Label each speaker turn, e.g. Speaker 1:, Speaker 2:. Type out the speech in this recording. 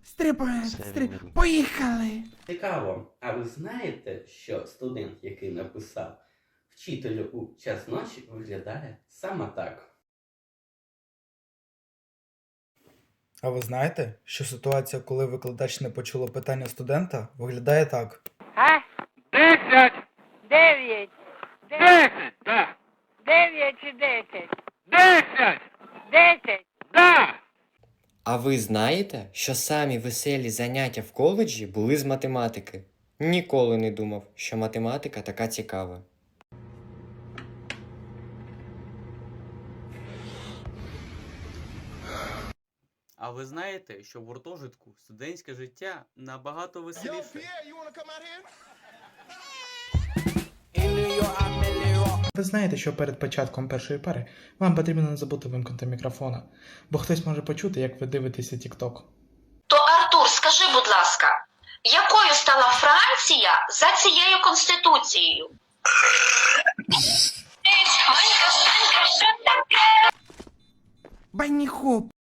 Speaker 1: Поїхали!
Speaker 2: Цікаво, а ви знаєте, що студент, який написав «Вчителю у час ночі» виглядає саме так?
Speaker 3: А ви знаєте, що ситуація, коли викладач не почула питання студента, виглядає так?
Speaker 4: 10!
Speaker 5: 9.
Speaker 4: 10! Да!
Speaker 5: 9 чи 10?
Speaker 4: 10!
Speaker 5: 10.
Speaker 4: Да!
Speaker 6: А ви знаєте, що самі веселі заняття в коледжі були з математики? Ніколи не думав, що математика така цікава.
Speaker 7: А ви знаєте, що в гуртожитку студентське життя набагато веселіше?
Speaker 1: Ви знаєте, що перед початком першої пари вам потрібно не забути вимкнути мікрофона, бо хтось може почути, як ви дивитеся TikTok.
Speaker 8: То, Артур, скажи, будь ласка, якою стала Франція за цією конституцією?
Speaker 1: Банні хоп!